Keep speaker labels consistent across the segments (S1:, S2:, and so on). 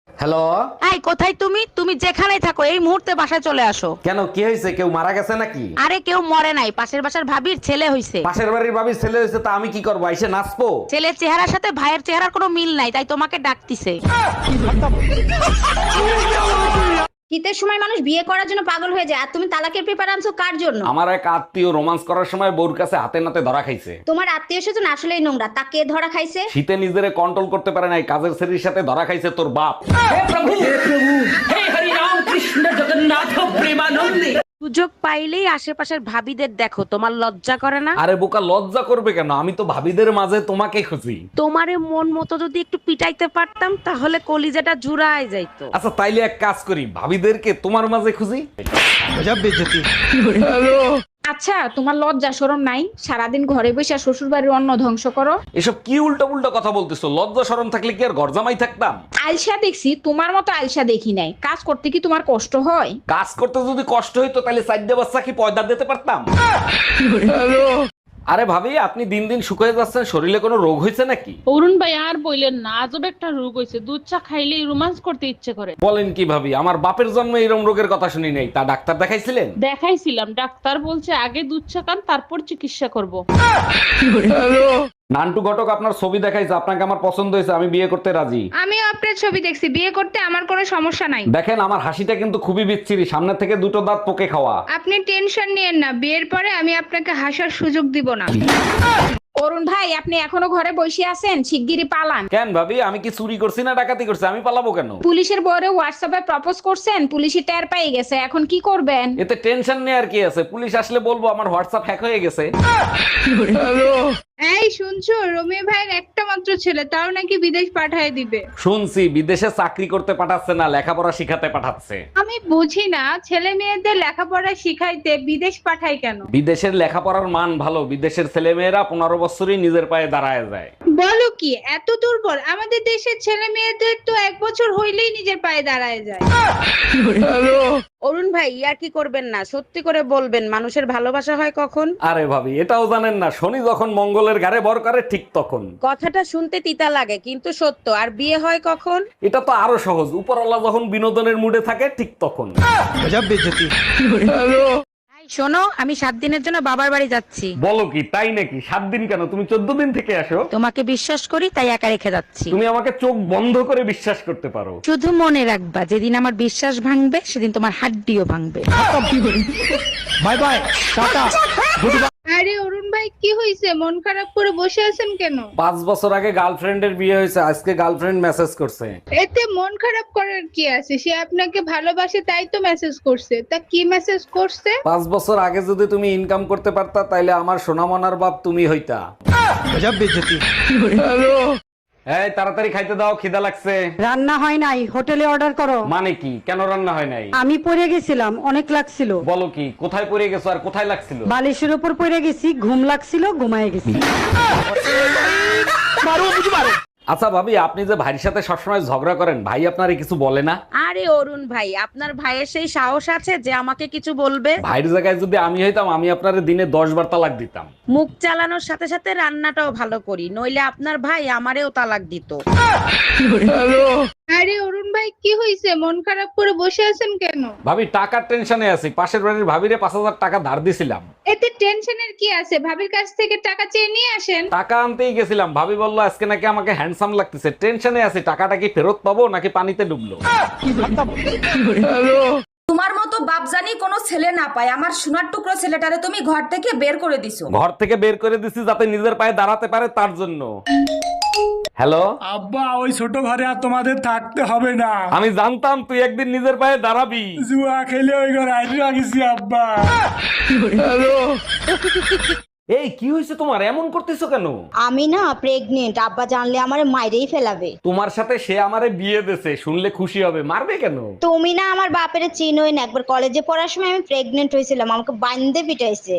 S1: Hello.
S2: এই কোথায় তুমি? তুমি যেখানেই থাকো এই মুহূর্তে বাসায় চলে আসো।
S1: কেন, কি হয়েছে? কেউ মারা গেছে নাকি?
S2: আরে কেউ মরে নাই, পাশের বাসার ভাবির ছেলে হইছে।
S1: পাশের বাড়ির ভাবির ছেলে হয়েছে, তা আমি কি করবো? এসে নাচবো?
S2: ছেলের চেহারার সাথে ভাইয়ের চেহারার কোনো মিল নাই, তাই তোমাকে ডাকতিছে।
S3: শীতের সময় মানুষ বিয়ে করার জন্য পাগল হয়ে যায়, আর তুমি তালাকের পেপার আনছো কার জন্য?
S1: আমার এক আত্মীয় রোমান্স করার সময় বউর কাছে হাতে নাতে ধরা খাইছে।
S3: তোমার আত্মীয় স্বজন আসলেই নোংরা, তা কে ধরা খাইছে?
S1: শীতে নিজেরে কন্ট্রোল করতে পারে নাই, কাজের ছেলের সাথে ধরা খাইছে তোর বাপ।
S2: সুযোগ পাইলেই আশেপাশের ভাবিদের দেখো, তোমার লজ্জা করে না?
S1: আরে বোকা, লজ্জা করবে কেন? আমি তো ভাবিদের মাঝে তোমাকে খুঁজি।
S2: তোমারে মন মতো যদি একটু পিটাইতে পারতাম তাহলে কলিজাটা জুড়ায় যাইতো।
S1: আচ্ছা তাইলে এক কাজ করি, ভাবিদেরকে তোমার মাঝে খুঁজি।
S4: আচ্ছা, তোমার লজ্জা শরম নাই? সারাদিন ঘরে বসে শ্বশুর বাড়ির অন্ন ধ্বংস করো।
S1: এসব কি উল্টা উল্টা কথা বলতেছো? লজ্জা শরম থাকলে কি আর ঘর জামাই থাকতাম?
S4: আলসা দেখছি, তোমার মতো আলসা দেখি নাই। কাজ করতে কি তোমার কষ্ট হয়?
S1: কাজ করতে যদি কষ্ট হইতো তাহলে চারটে বাচ্চা কি পয়দা দিতে পারতাম? আরে ভাবি, আপনি দিন দিন শুকিয়ে যাচ্ছেন, শরীরে কোনো রোগ হয়েছে নাকি?
S5: অরুণ ভাই আর বললেন না, আজব একটা রোগ হয়েছে। দুধ চা খাইলেই রোমান্স করতে ইচ্ছে করে।
S1: বলেন কি ভাবি? আমার বাপের জন্ম এরকম রোগের কথা শুনি নাই। তা ডাক্তার দেখাইছিলেন?
S5: দেখাইছিলাম, ডাক্তার বলছে আগে দুধ চা খান, তারপর চিকিৎসা করব।
S1: নান্টু ঘটক আপনার ছবি দেখাইছে, আপনাকে আমার পছন্দ হয়েছে, আমি বিয়ে করতে রাজি।
S4: আমিও আপনার ছবি দেখছি, বিয়ে করতে আমার কোনো সমস্যা নাই।
S1: দেখেন আমার হাসিটা কিন্তু খুবই বিচ্ছিরি, সামনে থেকে দুটো দাঁত পোকে খাওয়া।
S4: আপনি টেনশন নিয়েন না, বিয়ের পরে আমি আপনাকে হাসার সুযোগ দিব না। অরুণ ভাই, আপনি এখনো ঘরে বসে আছেন? শিগগিরই পালান।
S1: কেন ভাবি, আমি কি চুরি করছি না ডাকাতি করছি? আমি পালাবো কেন?
S4: পুলিশের বউরে হোয়াটসঅ্যাপে প্রপোজ করছেন, পুলিশই টের পেয়ে গেছে, এখন কি করবেন?
S1: এতে টেনশন নেই আর কি আছে, পুলিশ আসলে বলবো আমার হোয়াটসঅ্যাপ হ্যাক হয়ে গেছে।
S4: এই শুনছো, রমি ভাইয়ের একটা মাত্র ছেলে, তাও নাকি বিদেশ পাঠায় দিবে।
S1: শুনছি বিদেশে চাকরি করতে পাঠাচ্ছে না, লেখাপড়া শিখাতে পাঠাচ্ছে।
S4: আমি বুঝি না, ছেলে মেয়েদের লেখাপড়া শিখাইতে বিদেশ পাঠায় কেন?
S1: বিদেশের লেখাপড়ার মান ভালো, বিদেশের ছেলেমেয়েরা 15 বছরই নিজের পায়ে দাঁড়ায় যায়।
S4: বলো কি, এত দুর্বল? আমাদের দেশের ছেলে মেয়েদের তো 1 বছর হইলেই নিজের পায়ে দাঁড়ায় যায়।
S2: অরুণ ভাই ইয়ার কি করবেন না, সত্যি করে বলবেন মানুষের ভালোবাসা হয় কখন?
S1: আরে ভাবি, এটাও জানেন না? শনি যখন মঙ্গলের ঘাড়ে ভর করে ঠিক তখন।
S2: কথাটা শুনতে তিতা লাগে কিন্তু সত্য। আর বিয়ে হয় কখন?
S1: এটা তো আরো সহজ, উপরওয়ালা যখন বিনোদনের মুডে থাকে ঠিক তখন।
S2: এই শোনো, আমি 7 দিনের জন্য বাবার বাড়ি যাচ্ছি।
S1: বলো কি, তাই নাকি? 7 দিন কেন? তুমি 14 দিন থেকে আসো।
S2: তোমাকে বিশ্বাস করি তাই একা রেখে যাচ্ছি।
S1: তুমি আমাকে চোখ বন্ধ করে বিশ্বাস করতে পারো।
S2: শুধু মনে রাখবা, যেদিন আমার বিশ্বাস ভাঙবে সেদিন তোমার হাড্ডিও ভাঙবে।
S1: Bye bye, tata.
S4: আরে অরুণ ভাই, কি হয়েছে? মন খারাপ করে বসে আছেন কেন?
S1: 5 বছর আগে গার্লফ্রেন্ডের বিয়ে হয়েছে, আজকে গার্লফ্রেন্ড মেসেজ করছে।
S4: এতে মন খারাপ করার কি আছে? সে আপনাকে ভালোবাসে তাই তো মেসেজ করছে। তা কি মেসেজ করছে?
S1: 5 বছর আগে যদি তুমি ইনকাম করতে পারতা তাইলে আমার সোনামনার বাপ তুমি হইতা। এই তাড়াতাড়ি খাইতে দাও, খিদা লাগছে।
S6: রান্না হয় নাই, হোটেলে অর্ডার করো।
S1: মানে কি? কেন রান্না হয় নাই?
S6: আমি পড়ে গেছিলাম, অনেক লাগছিল।
S1: বলো কি, কোথায় পড়ে গেছো আর কোথায় লাগছিল?
S6: বালিশের উপর পড়ে গেছি, ঘুম লাগছিল, ঘুমায় গেছি।
S1: আচ্ছা ভাবি, আপনি যে ভাইয়ের সাথে সবসময় ঝগড়া করেন, ভাই আপনারে কিছু বলে না?
S2: আরে অরুণ ভাই, আপনার ভাইয়ের সেই সাহস আছে যে আমাকে কিছু বলবে?
S1: ভাইয়ের জায়গায় যদি আমি হইতাম, আমি আপনারে দিনে 10 বার তালাক দিতাম।
S2: মুখ চালানোর সাথে সাথে রান্নাটাও ভালো করি, নইলে আপনার ভাই আমারেও তালাক দিত।
S4: আরে অরুণ ভাই, কি হয়েছে? মন খারাপ করে বসে আছেন কেন?
S1: ভাবি, টাকার টেনশনে আছি। পাশের বাড়ির ভাবিরে 5000 টাকা ধার দিছিলাম।
S4: এতে টেনশনের কি আছে? ভাবির কাছ থেকে টাকা চেয়ে নিয়ে আসেন।
S1: টাকা আনতেই গেছিলাম, ভাবি বললো আজকে নাকি আমাকে হ্যান্ডসাম লাগতেছে। টেনশনে আছি, টাকাটা কি ফেরত পাবো নাকি পানিতে ডুবলো।
S3: তোমার মতো বাপজানি কোনো ছেলে না পায়, আমার সোনার টুকরো ছেলেটারে তুমি ঘর থেকে বের করে দিছো।
S1: ঘর থেকে বের করে দিছি যাতে নিজের পায়ে দাঁড়াতে পারে, তার জন্য। হ্যালো
S7: আব্বা, ওই ছোট ঘরে আর তোমাদের থাকতে হবে না।
S1: আমি জানতাম তুই একদিন নিজের পায়ে দাঁড়াবি।
S7: জুয়া খেলে ওই ঘরে আইডিয়া গেছি আব্বা।
S1: এই কি হয়েছে তোমার? এমন করতেছো কেন?
S3: আমি না প্রেগনেন্ট, আব্বা জানলে আমারে মাইরেই ফেলাবে।
S1: তোমার সাথে সে আমারে বিয়ে দেছে, শুনলে খুশি হবে। মারবে কেন?
S3: তুমি না আমার বাপের চিনোই না, একবার কলেজে পড়ার সময় আমি প্রেগনেন্ট হয়েছিলাম, আমাকে বান্ধে পিটাইছে।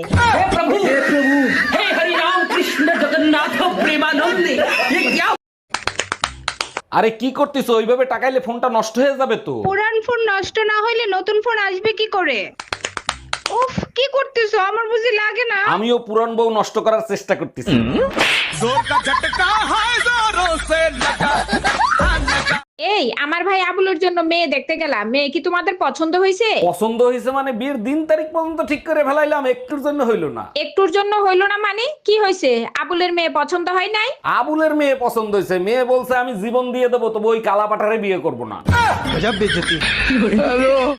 S1: আরে কি করতেছো? ওইভাবে টাকাইলে ফোনটা নষ্ট হয়ে যাবে তো।
S4: পুরান ফোন নষ্ট না হইলে নতুন ফোন আসবে কি করে? উফ, কি করতেছো? আমার বুঝি লাগে না।
S1: আমিও পুরান বউ নষ্ট করার চেষ্টা করতেছি।
S4: এই আমার ভাই আবুলের জন্য মেয়ে দেখতে গেলাম, মেয়ে কি তোমাদের পছন্দ হয়েছে?
S1: পছন্দ হয়েছে মানে বিয়ের দিন তারিখ পর্যন্ত ঠিক করে ফেলাইলাম, একটুর জন্য হইলো না।
S4: একটুর জন্য হইলো না মানে কি হয়েছে? আবুলের মেয়ে পছন্দ হয় নাই?
S1: আবুলের মেয়ে পছন্দ হয়েছে, মেয়ে বলছে আমি জীবন দিয়ে দেবো, তবু ওই কালাপাঠারে বিয়ে করবো না।